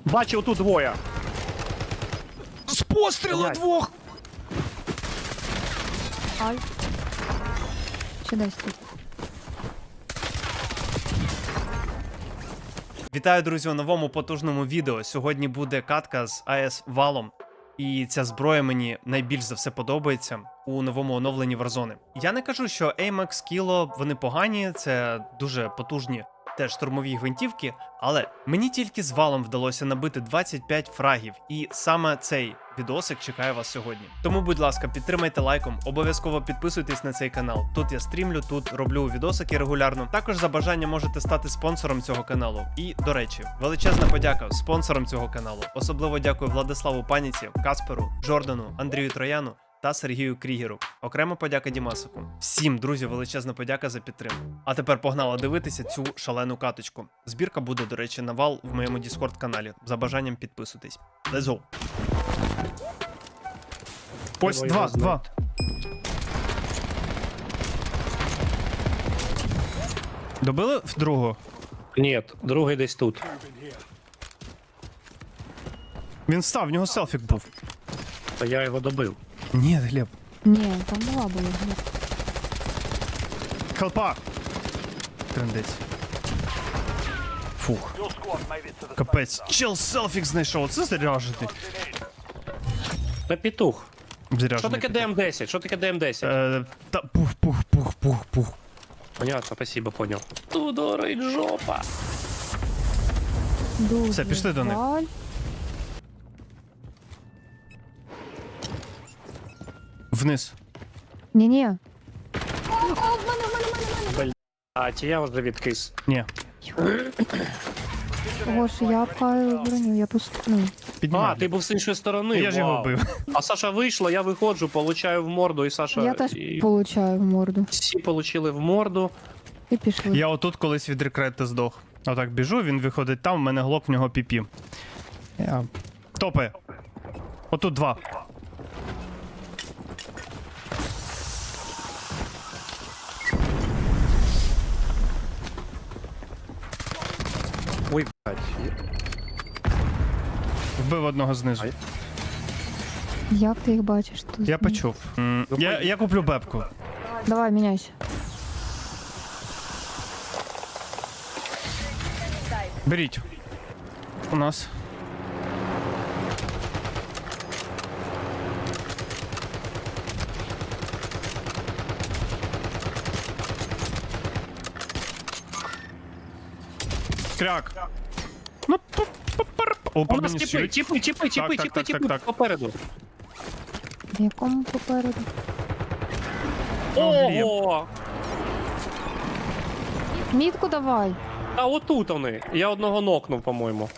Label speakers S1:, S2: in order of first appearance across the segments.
S1: Бачив тут двоє. З пострілу двох!
S2: Ай. Чи десь тут?
S3: Вітаю, друзі, у новому потужному відео. Сьогодні буде катка з АС Валом. І ця зброя мені найбільш за все подобається у новому оновленні Warzone. Я не кажу, що AMAX, Kilo, вони погані, це дуже потужні теж штурмові гвинтівки, але мені тільки з Валом вдалося набити 25 фрагів, і саме цей відосик чекає вас сьогодні. Тому, будь ласка, підтримайте лайком, обов'язково підписуйтесь на цей канал. Тут я стрімлю, тут роблю відосики регулярно. Також за бажанням можете стати спонсором цього каналу. І, до речі, величезна подяка спонсорам цього каналу. Особливо дякую Владиславу Паніці, Касперу, Жордану, Андрію Трояну та Сергію Крігеру. Окрема подяка Дімасику. Всім, друзі, величезна подяка за підтримку. А тепер погнала дивитися цю шалену каточку. Збірка буде, до речі, на Вал в моєму Discord-каналі. За бажанням підписуйтесь. Let's go!
S1: Ось два.
S3: Добили в другого?
S1: Ні, другий десь тут.
S3: Він встав, в нього селфік був.
S1: Та я його добив.
S3: Ні, Глеб.
S2: Ні, там була була.
S3: Хелпа! Трендець. Фух. Капець. Чел селфік знайшов. Це заряжений.
S1: Та петух.
S3: Заряжений.
S1: Що таке ДМ-10? Що таке ДМ-10?
S3: Та пух.
S1: Понятно, спасибо, понял. Тудорить жопа.
S2: Дуже
S3: Все, пішли до них.
S2: жаль.
S3: Вниз.
S2: Ні-ні.
S1: А ті я вже відкис.
S3: Ні.
S2: Гош, я пхаю броню, я пусту. Ну,
S3: Піднімай.
S1: А, ти був з іншої сторони.
S3: Я ж його
S1: вау.
S3: бив.
S1: А Саша вийшла, я виходжу, получаю в морду, і Саша.
S2: я теж
S1: і...
S2: получаю в морду.
S1: Всі получили в морду.
S2: І пішли.
S3: Я отут колись від рекрети здох. Отак біжу, він виходить там, в мене глок, в нього піпі. Я... Топає. Отут два.
S1: Ой, блядь.
S3: Вбив одного знизу.
S1: Ай.
S2: Як ти їх бачиш тут?
S3: Я почув. Я куплю бебку.
S2: Давай, міняйся.
S3: Беріть. У нас. Кряк. Ну, о,
S1: У нас
S3: мені
S1: тіпи,
S3: шиють.
S1: тіпи,
S3: Так.
S1: попереду.
S2: В якому попереду?
S1: Ого!
S2: Мітку давай.
S1: А отут вони. Я одного нокнув, по-моєму.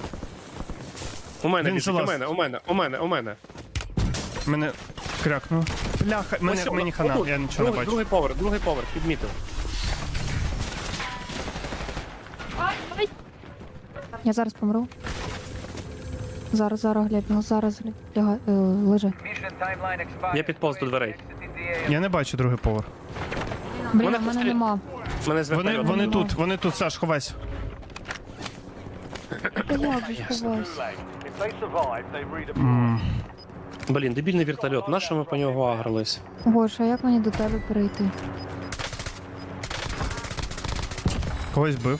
S1: У мене
S3: Він
S1: біжить,
S3: залаз.
S1: у мене.
S3: Мене крякнув. Бляха,
S1: Ось,
S3: мені хана,
S1: отут.
S3: я нічого не бачу.
S1: Другий поверх, підмітив.
S2: Я зараз помру. Зараз, Глеб, зараз лежи.
S1: Я підповз до дверей.
S3: Я не бачу другий поверх.
S2: Блін,
S1: Мене
S2: в мене
S1: постріл-
S2: нема.
S1: Мене з вертольоту.
S3: Вони тут, Саш, ховайся.
S2: Та як же сховався?
S1: Блін, дебільний вертольот. Нащо ми по нього агрились?
S2: Гош, а як мені до тебе перейти?
S3: Когось бив.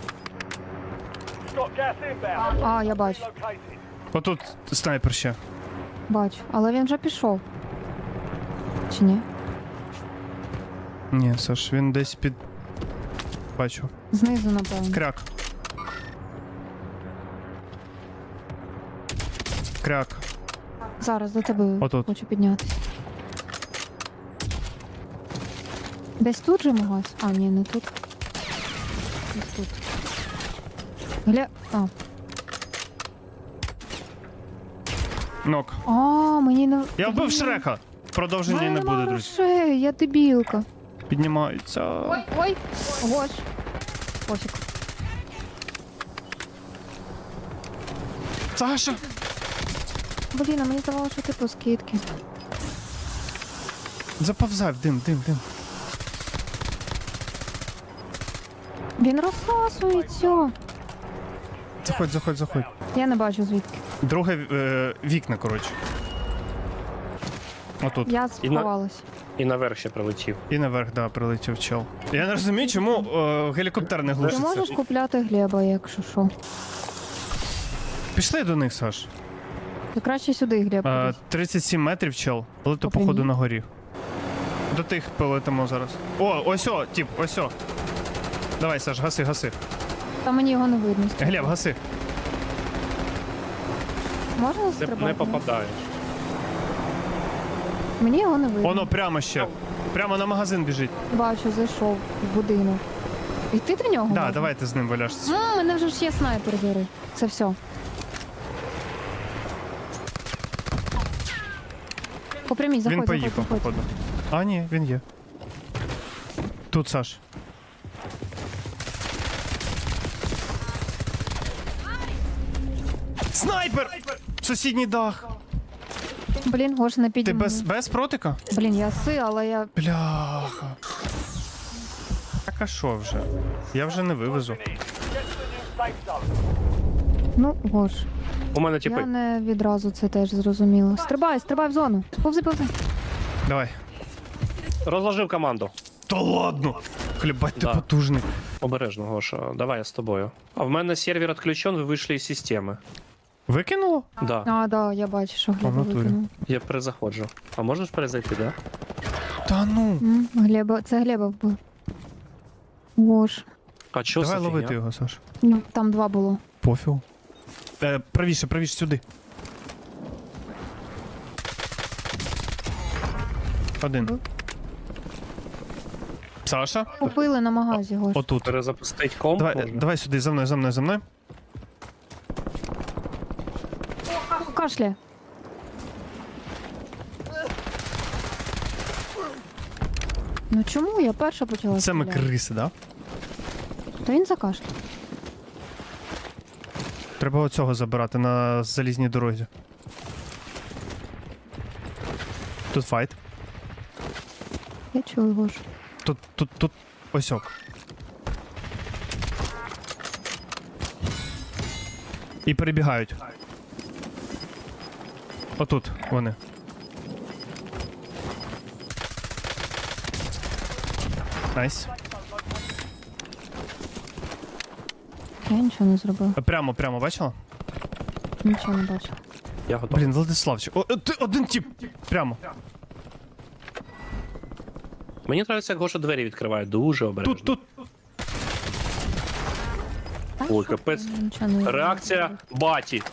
S2: А, я бачу.
S3: Отут снайпер ще.
S2: Бачу. Але він вже пішов. Чи ні?
S3: Ні, Саш, він десь під... Бачу.
S2: Знизу, напевно.
S3: Кряк. Кряк.
S2: Зараз до тебе
S3: Отут.
S2: хочу піднятися. Десь тут же магаз? А, ні, не тут. Десь тут. А.
S3: Нок.
S2: А, мені не...
S3: Я вбив Шрека. Продовження не буде, друзі.
S2: Грошей, я дебілка.
S3: Піднімаються.
S2: Ой, Гош. Пофіг.
S3: Саша!
S2: Блін, а мені здавалося, що ти по скидки.
S3: Заповзай в дим.
S2: Він розсасується.
S3: Заходь.
S2: Я не бачу звідки.
S3: Друге вікна, коротше. Отут.
S2: Я сховалась.
S1: І наверх ще прилетів.
S3: І наверх, да, прилетів чел. Я не розумію, чому гелікоптер не
S2: Ти
S3: глушиться.
S2: можеш купляти Глеба, якщо що.
S3: Пішли до них, Саш.
S2: Ти краще сюди, Глеб. кудись.
S3: 37 метрів, чел. Але то,
S2: Попрямій.
S3: походу, на горі. До тих полетимо зараз. О, ось о, тип, ось о. Давай, Саш, гаси.
S2: Та мені його не видно.
S3: Глеб, гаси.
S2: Можна
S1: Ти
S2: стрибати?
S1: не попадаєш.
S2: Мені його не видно.
S3: Воно прямо ще. Прямо на магазин біжить.
S2: Бачу, зайшов в будинок. Йти до нього?
S3: Да,
S2: можна?
S3: давай ти з ним валяшся.
S2: У мене вже ж є снайпер зори. Це все. Попрямій, заходь,
S3: Він поїхав,
S2: заходь.
S3: походу. А, ні, він є. Тут, Саш. Снайпер! Сусідній дах.
S2: Блін, Гош, не
S3: Ти
S2: підійму.
S3: без протика?
S2: Блін, я але я...
S3: Бляха. Так а що вже? Я вже не вивезу.
S2: Ну, Гош,
S1: У мене
S2: я
S1: типи.
S2: не відразу це теж зрозуміла. Стрибай в зону. Повзи.
S3: Давай.
S1: Розложив команду.
S3: Та ладно! Хлібать, ти
S1: Да.
S3: потужний.
S1: Обережно, Гоша. Давай я з тобою. А в мене сервер відключен, ви вийшли із системи.
S3: Викинуло?
S1: Да.
S2: А, да, я бачу, що Глеба
S3: натурі.
S2: викинув.
S1: Я перезаходжу. А можеш перезайти, да?
S3: Та ну.
S2: Глеба, це Глеба вбив. Гош.
S1: А чо
S3: Давай
S1: за
S3: ловити
S1: фігня?
S3: його, Саш.
S2: Ну, там 2 було.
S3: Пофігу. Правіше сюди. Один. Саша?
S2: Купили на магазі, Гош.
S3: Отут.
S1: Перезапустить комп?
S3: Давай,
S1: можна?
S3: давай сюди, за мною.
S2: Кашля. Ну чому я перша почала
S3: Це ми
S2: стріляти?
S3: криси, да?
S2: Та він закашляв.
S3: Треба оцього забирати на залізній дорозі. Тут файт.
S2: Я чую, Гош.
S3: Тут осьок. І перебігають. Отут вони. Найс.
S2: Я нічого не зробив.
S3: Прямо, бачила?
S2: Нічого не бачив.
S1: Я готовий.
S3: Блін, Владиславчик. Ти один тип. Прямо.
S1: Мені подобається, як Гоша двері відкриває. Дуже обережно.
S3: Тут.
S1: Ой, капець.
S2: Нічого не зробив.
S1: Реакція баті.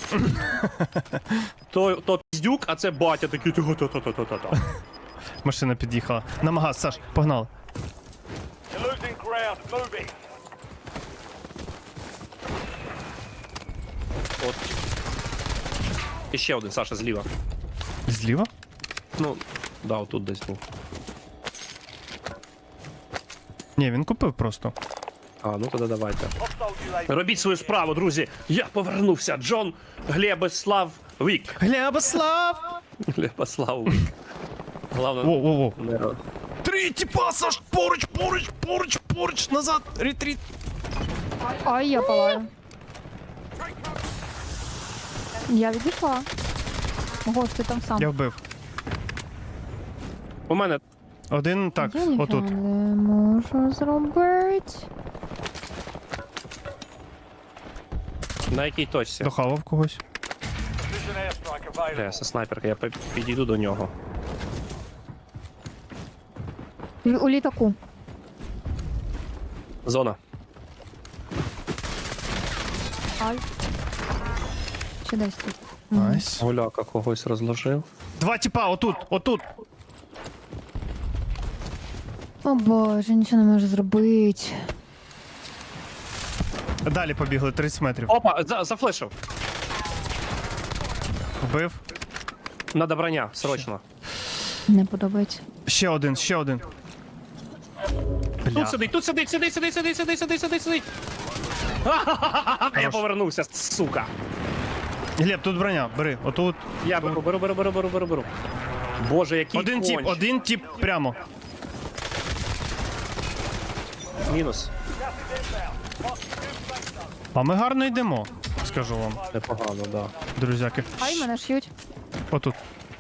S1: То піздюк, а це батя такий. Та-та-та-та-та-та.
S3: Машина під'їхала. На магаз, Саш, погнали.
S4: You're losing ground. Moving.
S1: От. І ще один, Саша, зліва.
S3: Зліва?
S1: Ну, да, отут десь був.
S3: Ні, він купив просто.
S1: А, ну тоді давайте.
S4: Hostile UAV.
S1: Робіть свою справу, друзі. Я повернувся. Джон Глебослав Вік.
S3: Глебослав!
S1: Глебослав Вік. Головне,
S3: Воу.
S1: не ро-
S3: 3 типа, Саш, поруч, назад, ретріт.
S2: Ай, я палаю. Я відійшла. Гош, ти там сам.
S3: Я вбив.
S1: У мене
S3: Один, так,
S2: Я ніфіга
S3: отут.
S2: не можу зробити.
S1: на якій точці?
S3: Дохавав когось.
S4: Precision airstrike available.
S1: Це снайперка, я підійду до нього.
S2: У літаку.
S1: Зона.
S2: Ай. Чи десь тут?
S3: Найс.
S1: Гуляка когось розложив.
S3: 2 типа, отут.
S2: О боже, нічого не можу зробити.
S3: Далі побігли, 30 метрів.
S1: Опа, зафлешив.
S3: Вбив.
S1: Надо броня, срочно.
S2: Не подобається.
S3: Ще один. Бля.
S1: Тут сидить. Ха-ха-ха-ха, я повернувся, сука.
S3: Глеб, тут броня, бери, отут.
S1: Я беру. Боже, який конч.
S3: Один тип прямо.
S1: Мінус.
S3: А ми гарно йдемо. Скажу вам,
S1: Непогано, да.
S3: друзяки.
S2: Ай, мене ш'ють.
S3: Отут.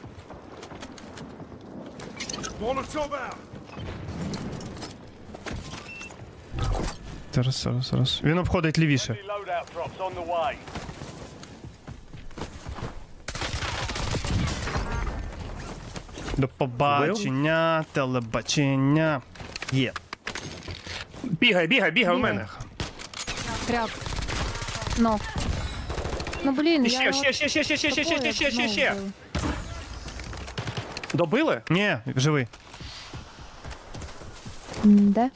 S3: Зараз. Він обходить лівіше.
S4: Enemy loadout drops on the way.
S3: До побачення, телебачення. Є.
S1: Бігай у мене.
S2: Кряк. Ну. Ну, блін,
S1: І
S2: я його
S1: ще. Добили?
S3: Ні, живий.
S2: Де?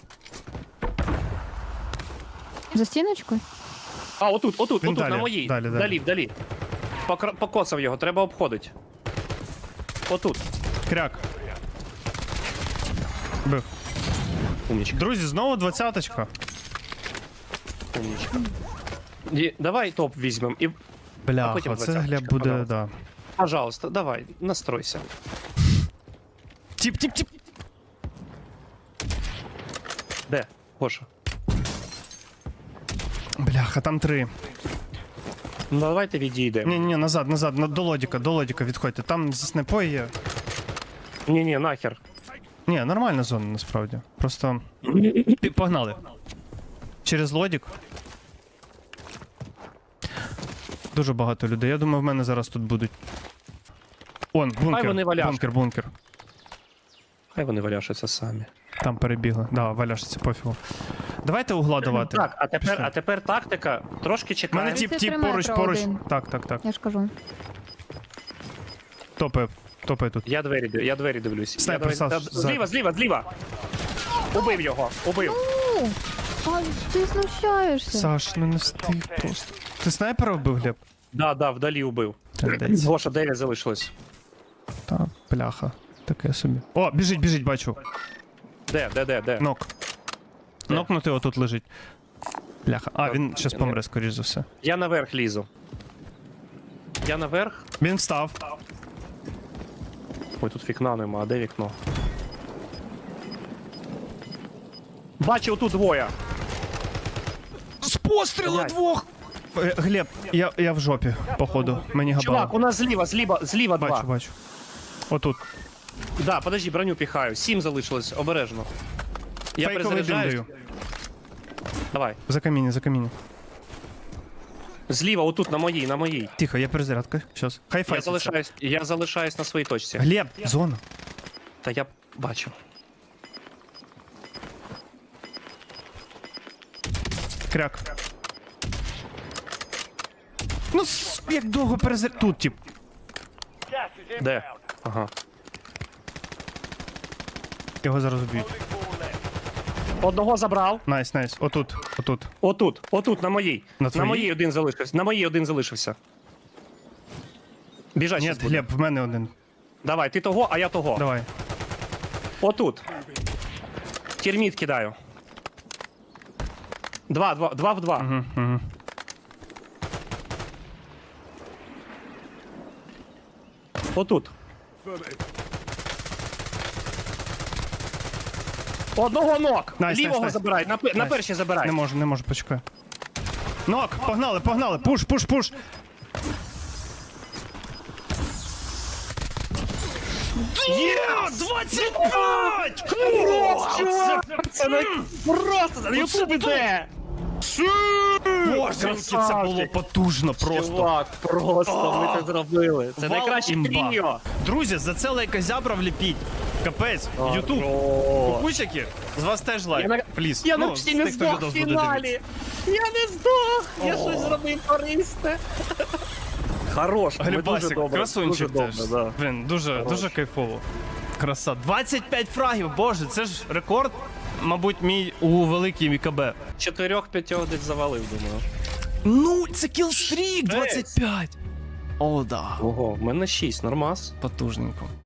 S2: За стіночкою?
S1: А, отут,
S3: Він далі,
S1: на моїй.
S3: далі.
S1: Вдалі. Покоцав його, треба обходити. Отут.
S3: Кряк. Бив.
S1: Умнічка,
S3: Друзі, знову 20-очка.
S1: умнічка. Давай топ візьмемо і,
S3: Бляха,
S1: потім
S3: це
S1: 20-очка,
S3: Глеб буде,
S1: пожалуйста.
S3: да.
S1: пожалуйста, давай, настройся.
S3: Тіп.
S1: Де? Гоша.
S3: Бляха, там 3.
S1: Ну давайте відійдемо.
S3: Ні, назад, до лодіка відходьте. Там зі снайпою є.
S1: Ні, нахер.
S3: Ні, нормальна зона насправді. Просто. Погнали. Через лодік. Дуже багато людей. Я думаю, в мене зараз тут будуть.
S1: Хай вони валяшки.
S3: Бункер.
S1: Хай вони валяшаться самі.
S3: Там перебігли. Да, валяшці, пофігу. Давайте угла давати.
S1: Так, а
S3: Пішли.
S1: тепер тактика. Трошки
S3: У
S1: чекаємо.
S3: мене тіп
S2: 33
S3: поруч.
S2: метра один.
S3: Так.
S2: Я ж кажу.
S3: Топає тут.
S1: Я двері дивлюсь.
S3: Снайпер,
S1: Я двері-
S3: Саш,
S1: Та- Зліва. Убив його, убив.
S2: А, ти знущаєшся.
S3: Саш, ну не встиг просто. Ти снайпера вбив, Глеб?
S1: Да, вдалі убив.
S3: Трендець.
S1: Гоша, 9 залишилось.
S3: Та, бляха. Таке собі. О, біжить, бачу.
S1: Де?
S3: Нок.
S1: Де?
S3: Нокнутий отут лежить. Бляха. А, він щас помре, скоріш за все.
S1: Я наверх лізу. Я наверх.
S3: Він встав.
S1: Ой, тут вікна нема, а де вікно? Бачу, тут двоє.
S3: З пострілу
S1: Блядь.
S3: двох! Глеб, я в жопі, походу. Мені габало.
S1: Чувак, у нас зліва два.
S3: Бачу. Отут.
S1: Да, подожди, броню піхаю. 7 залишилось, обережно. Я
S3: Фейковий дим
S1: перезаряджаюсь.
S3: даю.
S1: Давай.
S3: За каміння.
S1: Зліва, отут, на моїй.
S3: Тихо, я перезарядка. Щас. Хай файтиться.
S1: Я залишаюсь на своїй точці.
S3: Глеб, зона.
S1: Та я бачу.
S3: Кряк. Ну, як довго перезаряд... Тут, тип.
S4: Gas is
S1: Де?
S4: inbound.
S1: Ага.
S3: Його зараз уб'ють.
S4: Moving forward left.
S1: Одного забрав.
S3: Найс. Отут.
S1: Отут, на моїй.
S3: На
S1: На
S3: твоїй?
S1: моїй один залишився. Біжать
S3: Ні,
S1: щас буде.
S3: Глеб, в мене один.
S1: Давай, ти того, а я того.
S3: Давай.
S1: Отут. Терміт кидаю. Два в два.
S3: Угу.
S1: Отут. Одного ног.
S3: Найс,
S1: Лівого
S3: найс.
S1: забирай. На
S3: Найс.
S1: перші забирай.
S3: Не можу, почекай. Нок, погнали. Пуш. Є! 25!
S1: Це не просто на ютуб іде.
S3: Боже, яке це було потужно просто.
S1: Чувак, просто ми це зробили. Це
S3: Вал
S1: найкраще
S3: імба.
S1: тріо.
S3: Друзі, за це лайкозябра вліпіть. Капець, Ютуб. Кукучики, з вас теж лайк. Пліз.
S1: Я
S3: Ну,
S1: почти не
S3: з тих, хто
S1: здох в
S3: відос буде
S1: фіналі.
S3: дивитися.
S1: Я не здох. Я щось зробив корисне. Хорош, ми дуже
S3: Глібасик,
S1: добре.
S3: красунчик
S1: дуже
S3: теж.
S1: добре, да.
S3: Блін, дуже кайфово. Краса. 25 фрагів, боже, це ж рекорд, мабуть, мій у великій МКБ.
S1: 4-5 десь завалив, думаю.
S3: Ну, це кілстрік 25. О, да.
S1: Ого, в мене 6, нормас.
S3: Потужненько.